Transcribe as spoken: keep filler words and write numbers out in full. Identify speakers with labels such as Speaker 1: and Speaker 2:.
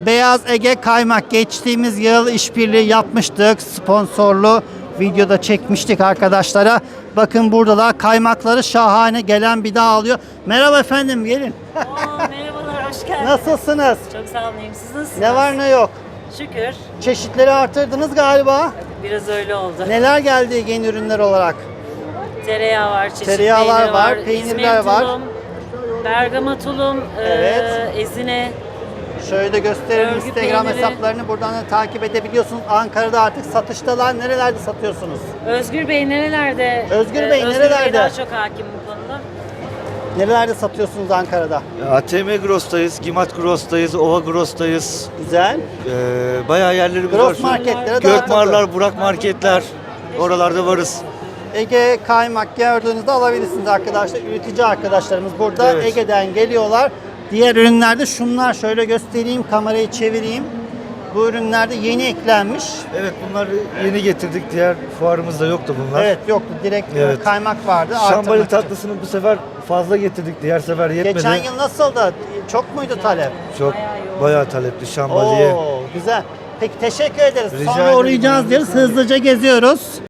Speaker 1: Beyaz Ege Kaymak geçtiğimiz yıl işbirliği yapmıştık. Sponsorlu videoda çekmiştik arkadaşlara. Bakın burada da kaymakları şahane, gelen bir daha alıyor. Merhaba efendim, gelin.
Speaker 2: Oo, merhabalar, hoş geldiniz.
Speaker 1: Nasılsınız?
Speaker 2: Çok sağ olun, iyiyim. Siz nasılsınız?
Speaker 1: Ne var ne yok.
Speaker 2: Şükür.
Speaker 1: Çeşitleri artırdınız galiba.
Speaker 2: Biraz öyle oldu.
Speaker 1: Neler geldi yeni ürünler olarak?
Speaker 2: Tereyağı var, çeşit
Speaker 1: Tereyağlar
Speaker 2: peyniri
Speaker 1: var,
Speaker 2: var,
Speaker 1: peynirler
Speaker 2: İzmir
Speaker 1: var.
Speaker 2: tulum, Bergama tulum,
Speaker 1: Evet.
Speaker 2: e, ezine.
Speaker 1: Şöyle gösterelim,
Speaker 2: Örgü
Speaker 1: Instagram
Speaker 2: peyniri.
Speaker 1: hesaplarını buradan da takip edebiliyorsunuz. Ankara'da artık satıştalar. Nerelerde satıyorsunuz?
Speaker 2: Özgür Bey nerelerde?
Speaker 1: Özgür Bey
Speaker 2: Özgür
Speaker 1: nerelerde?
Speaker 2: Bey daha çok hakim bu konuda.
Speaker 1: Nerelerde satıyorsunuz Ankara'da?
Speaker 3: A T M Gross'tayız, Gimat Gross'tayız, Ova Gross'tayız.
Speaker 1: Güzel.
Speaker 3: Ee, bayağı yerlerimiz var.
Speaker 1: Gross
Speaker 3: Şu-
Speaker 1: marketlere dağıtıldı.
Speaker 3: Gökmarlar, Burak marketler. Oralarda varız.
Speaker 1: Ege Kaymak gördüğünüzde alabilirsiniz arkadaşlar. Üretici arkadaşlarımız burada.
Speaker 3: Evet.
Speaker 1: Ege'den geliyorlar. Diğer ürünlerde şunlar, şöyle göstereyim, kamerayı çevireyim. Bu ürünlerde yeni eklenmiş.
Speaker 3: Evet, bunlar yeni getirdik. Diğer fuarımızda yoktu bunlar.
Speaker 1: Evet, yoktu. Direkt
Speaker 3: Evet.
Speaker 1: kaymak vardı.
Speaker 3: Şambali
Speaker 1: Artırmak için.
Speaker 3: tatlısını bu sefer fazla getirdik. Diğer sefer yetmedi.
Speaker 1: Geçen yıl nasıldı? Çok muydu talep?
Speaker 3: Çok
Speaker 2: Bayağı yoğun.
Speaker 3: bayağı talepli şambaliye.
Speaker 1: Oo, güzel. Peki teşekkür ederiz.
Speaker 3: Rica
Speaker 1: Sonra
Speaker 3: ederim.
Speaker 1: uğrayacağız diyoruz. Hızlıca geziyoruz.